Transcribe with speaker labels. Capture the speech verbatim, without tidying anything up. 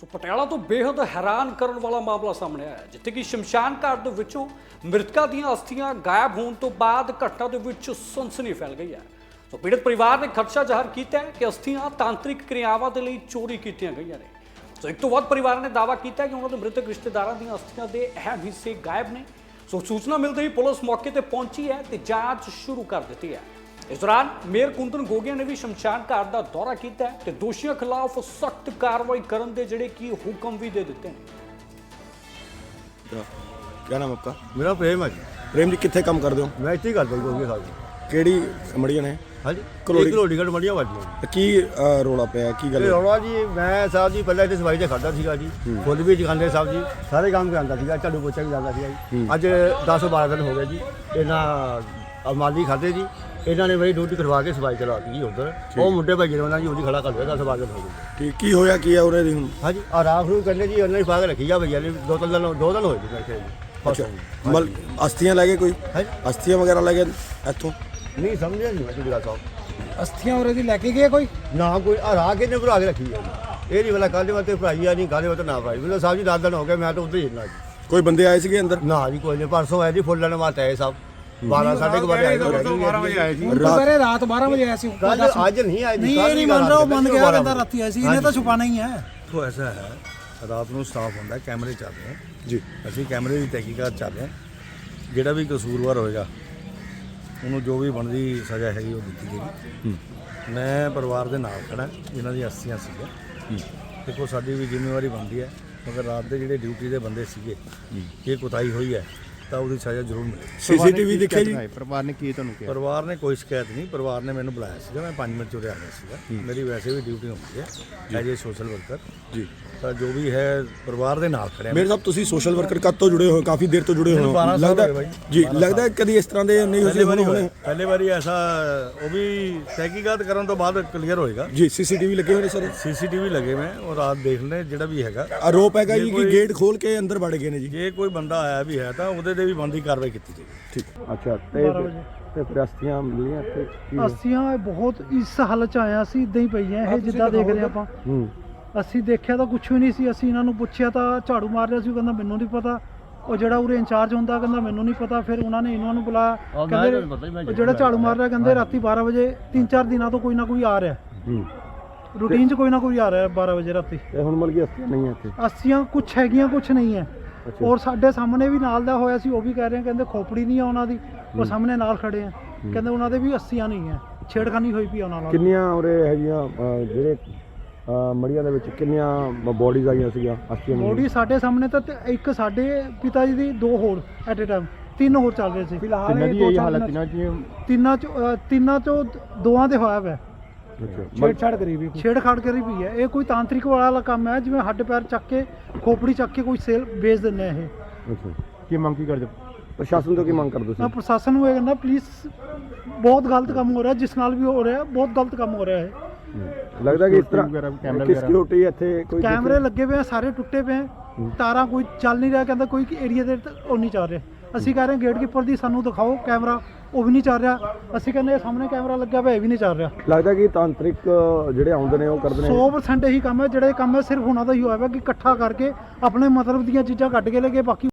Speaker 1: ਸੋ ਪਟਿਆਲਾ ਤੋਂ ਬੇहद हैरान ਕਰਨ ਵਾਲਾ ਮਾਮਲਾ ਸਾਹਮਣੇ ਆਇਆ ਜਿੱਥੇ ਕਿ ਸ਼ਮਸ਼ਾਨ ਘਾਟ ਦੇ ਵਿੱਚੋਂ ਮ੍ਰਿਤਕਾਂ ਦੀਆਂ ਅਸਥੀਆਂ ਗਾਇਬ ਹੋਣ ਤੋਂ ਬਾਅਦ ਘਟਨਾ ਦੇ ਵਿੱਚ ਸਨਸਨੀ ਫੈਲ ਗਈ ਹੈ। ਸੋ ਪੀੜਤ ਪਰਿਵਾਰ ਨੇ ਖਦਸ਼ਾ ਜ਼ਾਹਰ ਕੀਤਾ ਹੈ ਕਿ ਅਸਥੀਆਂ ਤਾਂਤਰਿਕ ਕਿਰਿਆਵਾਂ ਦੇ ਲਈ ਚੋਰੀ ਕੀਤੀਆਂ ਗਈਆਂ ਨੇ। ਸੋ ਇੱਕ ਤੋਂ ਵੱਧ ਪਰਿਵਾਰਾਂ ਨੇ ਦਾਅਵਾ ਕੀਤਾ ਕਿ ਉਹਨਾਂ ਦੇ ਮ੍ਰਿਤਕ ਰਿਸ਼ਤੇਦਾਰਾਂ ਦੀਆਂ ਅਸਥੀਆਂ ਦੇ ਅਹਿਮ ਹਿੱਸੇ ਗਾਇਬ ਨੇ। ਸੋ ਸੂਚਨਾ ਮਿਲਦੇ ਹੀ ਪੁਲਿਸ ਮੌਕੇ ਤੇ ਪਹੁੰਚੀ ਹੈ ਤੇ ਜਾਂਚ ਸ਼ੁਰੂ ਕਰ ਦਿੱਤੀ ਹੈ। इस दौरान मेयर कुंदन गोगिया ने भी शमशान घाट का दौरा किया है, दोषियों खिलाफ सख्त कार्रवाई करने के जिहड़े कि हुक्म भी दे दिते हैं।
Speaker 2: क्या नाम आपका?
Speaker 3: मेरा प्रेम है जी।
Speaker 2: प्रेम जी कितने काम करते हो?
Speaker 3: मैं इतने ही करता जी गोगिया साहब
Speaker 2: केड़ी मड़ियां ने?
Speaker 3: हाँ जी
Speaker 2: कलोड़ी
Speaker 3: कलोड़ी गढ़ मड़ियां वाली
Speaker 2: की रोला पे की गल?
Speaker 3: रोला जी मैं साहब जी पहले इतने सफाई से खाता सीगा जी, फुल भी जगाते साहब जी, सारे काम करता सीगा, झाड़ू पोछा भी जाता सीगा जी। अज दस बारह दिन हो गए जी इन्होंने माली खाते जी, इन्होंने मेरी ड्यूटी करवा के सफाई करवाती जी उधर वो मुंडे भाई जी जी उन्हें खड़ा कर दिया दस बारह दिन हो गए।
Speaker 2: ठीक की होया की है उन्हें हुन?
Speaker 3: हाँ जी आ राख रू करने जी उन्हें पा के रखी जा भैया ने दो तीन दिन दो दिन हो गए जी।
Speaker 2: अच्छा मल अस्थियां लगे कोई
Speaker 3: है
Speaker 2: अस्थियां वगैरह लगे इथों
Speaker 3: नहीं समझे नहीं मैं तुझे साहब
Speaker 4: अस्थियां और दी लेके गए कोई
Speaker 3: ना कोई आ राख इन्हें भरा के रखी है ये नहीं वाला काले वाते भराई है नहीं काले वाते ना भराई बोले साहब जी दस दिन हो गए मैं तो उधर ही ना जी।
Speaker 2: कोई बंदे आए थे अंदर?
Speaker 3: ना जी कोई नहीं परसों आए जी फुल लेने वास्ते आए साहब बारह साढ़े बारह आए जी
Speaker 4: दोपहर रात बारह बजे ऐसी
Speaker 3: कल आज नहीं आए जी
Speaker 4: नहीं ये नहीं मान रहा वो बंद गया कहता रात ऐसी इन्हें तो छुपाना ही है।
Speaker 5: तो ऐसा है रात को स्टाफ होंगे कैमरे चल रहे हैं
Speaker 2: जी,
Speaker 5: ਅਸੀਂ कैमरे की तहकीकात चल रहे हैं ਜਿਹੜਾ ਵੀ ਕਸੂਰਵਾਰ ਹੋਏਗਾ ਉਹਨੂੰ ਜੋ ਵੀ ਬਣਦੀ ਸਜ਼ਾ ਹੈਗੀ ਉਹ ਦਿੱਤੀ ਜਾਏਗੀ। ਮੈਂ ਪਰਿਵਾਰ ਦੇ ਨਾਲ ਖੜਾ ਜਿਨ੍ਹਾਂ ਦੀ ਅਸਥੀਆਂ ਸੀਗੀਆਂ। ਦੇਖੋ ਸਾਡੀ ਵੀ ਜ਼ਿੰਮੇਵਾਰੀ ਬਣਦੀ ਹੈ ਮਗਰ ਰਾਤ ਦੇ ਜਿਹੜੇ ਡਿਊਟੀ ਦੇ ਬੰਦੇ ਸੀਗੇ ਇਹ ਕੁਤਾਹੀ ਹੋਈ ਹੈ ਤਾਂ ਉਹਦੀ ਸਜ਼ਾ ਜ਼ਰੂਰ ਮਿਲੇ।
Speaker 2: ਸੀਸੀਟੀਵੀ ਦੇਖਿਆ ਜੀ?
Speaker 6: ਪਰਿਵਾਰ ਨੇ ਕੀ ਤੁਹਾਨੂੰ ਕਿਹਾ?
Speaker 5: ਪਰਿਵਾਰ ਨੇ ਕੋਈ ਸ਼ਿਕਾਇਤ ਨਹੀਂ, ਪਰਿਵਾਰ ਨੇ ਮੈਨੂੰ ਬੁਲਾਇਆ ਸੀਗਾ, ਮੈਂ ਪੰਜ ਮਿੰਟ ਚੋਂ ਆ ਗਿਆ ਸੀਗਾ। ਮੇਰੀ ਵੈਸੇ ਵੀ ਡਿਊਟੀ ਹੁੰਦੀ ਹੈ ਐਜ ਏ ਸੋਸ਼ਲ ਵਰਕਰ
Speaker 2: ਜੀ।
Speaker 5: ਤਾਂ ਜੋ ਵੀ ਹੈ ਪਰਿਵਾਰ ਦੇ ਨਾਲ ਖੜਿਆ।
Speaker 2: ਮੇਰੇ ਸਾਹਿਬ ਤੁਸੀਂ ਸੋਸ਼ਲ ਵਰਕਰ ਕਦ ਤੋਂ ਜੁੜੇ ਹੋ? ਕਾਫੀ ਦੇਰ ਤੋਂ ਜੁੜੇ ਹੋ ਲੱਗਦਾ ਜੀ। ਲੱਗਦਾ ਜੀ ਇਸ ਤਰ੍ਹਾਂ ਦੇ ਨਹੀਂ ਹੋਏ ਹੋਣੇ?
Speaker 5: ਪਹਿਲੇ ਵਾਰੀ ਐਸਾ ਉਹ ਵੀ ਤਹਿਕੀਕਾਤ ਕਰਨ ਤੋਂ ਬਾਅਦ ਕਲੀਅਰ ਹੋਏਗਾ
Speaker 2: ਜੀ। ਸੀਸੀਟੀਵੀ ਲੱਗੇ ਹੋਏ ਨੇ ਸਰ?
Speaker 5: ਸੀਸੀਟੀਵੀ ਲੱਗੇ ਮੈਂ ਉਹ ਰਾਤ ਦੇਖ ਲੈ ਜਿਹੜਾ ਵੀ ਹੈਗਾ।
Speaker 2: ਆਰੋਪ ਹੈਗਾ ਜੀ ਕਿ ਗੇਟ ਖੋਲ ਕੇ ਅੰਦਰ ਵੜ ਗਏ ਨੇ ਜੀ।
Speaker 5: ਜੇ ਕੋਈ ਬੰਦਾ ਆਇਆ ਵੀ ਹੈ ਤਾਂ ਉਹਦੇ ਤੇ ਵੀ ਬਣਦੀ ਕਾਰਵਾਈ ਕੀਤੀ ਜਾਏਗੀ।
Speaker 2: ਠੀਕ ਅੱਛਾ ਤੇ ਤੇ ਪ੍ਰਸਤੀਆਂ ਮਿਲੀਆਂ ਤੇ ਕੀ
Speaker 4: अस्थियां बहुत इस हालत ਚ ਆਇਆ ਸੀ ਇਦਾਂ ਹੀ ਪਈਆਂ ਇਹ ਜਿੱਦਾਂ ਦੇਖ ਰਹੇ ਆਪਾਂ।
Speaker 2: ਹੂੰ
Speaker 4: ਅਸੀਂ ਦੇਖਿਆ ਤਾਂ ਕੁਝ ਵੀ ਨਹੀਂ ਸੀ। ਅਸੀਂ ਇਹਨਾਂ ਨੂੰ ਪੁੱਛਿਆ ਤਾਂ ਝਾੜੂ ਮਾਰ ਰਿਹਾ ਸੀ, ਉਹ ਕਹਿੰਦਾ ਮੈਨੂੰ ਨਹੀਂ ਪਤਾ। ਉਹ ਜਿਹੜਾ ਉਰੇ ਇੰਚਾਰਜ ਹੁੰਦਾ ਕਹਿੰਦਾ ਮੈਨੂੰ ਨਹੀਂ ਪਤਾ। ਫਿਰ ਉਹਨਾਂ ਨੇ ਇਹਨਾਂ ਨੂੰ ਬੁਲਾਇਆ, ਕਹਿੰਦੇ ਉਹ ਜਿਹੜਾ ਝਾੜੂ ਮਾਰ ਰਿਹਾ ਕਹਿੰਦੇ ਰਾਤੀ ਬਾਰ੍ਹਾਂ ਵਜੇ ਤਿੰਨ ਚਾਰ ਦਿਨਾਂ ਤੋਂ ਕੋਈ ਨਾ ਕੋਈ ਆ ਰਿਹਾ
Speaker 2: ਹੂੰ
Speaker 4: ਰੂਟੀਨ 'ਚ ਕੋਈ ਨਾ ਕੋਈ ਆ ਰਿਹਾ ਬਾਰ੍ਹਾਂ ਵਜੇ ਰਾਤੀ।
Speaker 2: ਤੇ ਹੁਣ ਮਲ ਗਈ ਅਸਥੀਆਂ ਨਹੀਂ ਹੈ ਇੱਥੇ?
Speaker 4: ਅੱਸੀਆਂ ਕੁਝ ਹੈਗੀਆਂ ਕੁਝ ਨਹੀਂ ਹੈ। ਔਰ ਸਾਡੇ ਸਾਹਮਣੇ ਵੀ ਨਾਲ ਦਾ ਹੋਇਆ ਸੀ, ਉਹ ਵੀ ਕਹਿ ਰਹੇ ਕਹਿੰਦੇ ਖੋਪੜੀ ਨਹੀਂ ਆ ਉਹਨਾਂ ਦੀ। ਉਹ ਸਾਹਮਣੇ ਨਾਲ ਖੜੇ ਆ ਕਹਿੰਦੇ ਉਹਨਾਂ ਦੇ ਵੀ ਅੱਸੀਆਂ ਨਹੀਂ ਹੈ, ਛੇੜਖਾਨੀ ਹੋਈ ਪਈ ਉਹਨਾਂ ਨਾਲ।
Speaker 2: ਕਿੰਨੀਆਂ ਉਰੇ ਹੈਗੀਆਂ ਜਿਹੜੇ ਮੜੀਆਂ ਦੇ ਵਿੱਚ ਕਿੰਨੀਆਂ ਬੋਡੀਜ਼ ਆਈਆਂ ਸੀਗੀਆਂ ਅਸਥੀਆਂ?
Speaker 4: ਬੋਡੀ ਸਾਡੇ ਸਾਹਮਣੇ ਤਾਂ ਤੇ ਇੱਕ ਸਾਡੇ ਪਿਤਾ ਜੀ ਦੀ, ਦੋ ਹੋਰ ਐਟ ਅ ਟਾਈਮ ਤਿੰਨ ਹੋਰ ਚੱਲ ਰਹੇ ਸੀ ਫਿਲਹਾਲ।
Speaker 6: ਕਿੰਨਾ ਦੀ ਇਹ ਹਾਲਤ ਤਿੰਨਾਂ ਚ?
Speaker 4: ਤਿੰਨਾਂ ਚੋਂ ਅ, ਤਿੰਨਾਂ ਚੋਂ ਦੋਵਾਂ ਦੇ ਹੋਇਆ ਵਾ
Speaker 2: ਅੱਛਾ
Speaker 4: ਛੇੜਛਾੜ ਕਰੀ ਵੀ ਛੇੜਖਾੜ ਕਰੀ ਪਈ ਹੈ। ਇਹ ਕੋਈ ਤਾਂਤਰਿਕ ਵਾਲਾ ਕੰਮ ਹੈ, ਜਿਵੇਂ ਹੱਡ ਪੈਰ ਚੱਕ ਕੇ ਖੋਪੜੀ ਚੱਕ ਕੇ ਕੋਈ ਸੇਲ ਵੇਚ ਦਿੰਦੇ ਆ ਇਹ।
Speaker 2: ਅੱਛਾ
Speaker 6: ਕੀ ਮੰਗ ਕੀ ਕਰਦੇ?
Speaker 2: ਪ੍ਰਸ਼ਾਸਨ ਤੋਂ ਕੀ ਮੰਗ ਕਰਦੇ
Speaker 4: ਮੈਂ
Speaker 2: ਸੀ?
Speaker 4: ਪ੍ਰਸ਼ਾਸਨ ਨੂੰ ਇਹ ਕਹਿੰਦਾ ਪਲੀਜ਼ ਬਹੁਤ ਗਲਤ ਕੰਮ ਹੋ ਰਿਹਾ, ਜਿਸ ਨਾਲ ਵੀ ਹੋ ਰਿਹਾ ਬਹੁਤ ਗਲਤ ਕੰਮ ਹੋ ਰਿਹਾ ਹੈ।
Speaker 2: ਲੱਗਦਾ ਕਿ ਇਸ
Speaker 6: ਵਗੈਰਾ,
Speaker 2: ਤਰ੍ਹਾਂ
Speaker 6: ਕੈਮਰਾ
Speaker 2: ਕਿ
Speaker 6: ਵਗੈਰਾ?
Speaker 2: ਸਿਕਿਉਰਿਟੀ ਇੱਥੇ ਕੋਈ
Speaker 4: ਕੈਮਰੇ ਲੱਗੇ ਪਏ ਆ, ਸਾਰੇ ਟੁੱਟੇ ਪਏ ਆ, ਤਾਰਾਂ ਕੋਈ ਚੱਲ ਨਹੀਂ ਰਿਹਾ। ਕਹਿੰਦਾ ਕੋਈ ਏਰੀਆ ਦੇ ਉਹ ਨਹੀਂ ਚੱਲ ਰਿਹਾ। ਅਸੀਂ ਕਹਿ ਰਹੇ ਗੇਟ ਕੀਪਰ ਦੀ ਸਾਨੂੰ ਦਿਖਾਓ ਕੈਮਰਾ, ਉਹ ਵੀ ਨਹੀਂ ਚੱਲ ਰਿਹਾ। ਅਸੀਂ ਕਹਿੰਦੇ ਸਾਹਮਣੇ ਕੈਮਰਾ ਲੱਗਿਆ ਪਿਆ, ਇਹ ਵੀ ਨਹੀਂ ਚੱਲ ਰਿਹਾ।
Speaker 2: ਲੱਗਦਾ ਕਿ ਤਾਂਤਰਿਕ ਜਿਹੜੇ ਆਉਂਦੇ ਨੇ ਉਹ ਕਰਦੇ ਨੇ
Speaker 4: ਸੌ ਪਰਸੈਂਟ ਇਹੀ ਕੰਮ ਹੈ। ਜਿਹੜਾ ਇਹ ਕੰਮ ਹੈ ਸਿਰਫ ਉਹਨਾਂ ਦਾ ਹੀ ਹੋਇਆ ਵਾ ਕਿ ਇਕੱਠਾ ਕਰਕੇ ਆਪਣੇ ਮਤਲਬ ਦੀਆਂ ਚੀਜ਼ਾਂ ਕੱਢ ਕੇ ਲੈ ਕੇ ਬਾਕੀ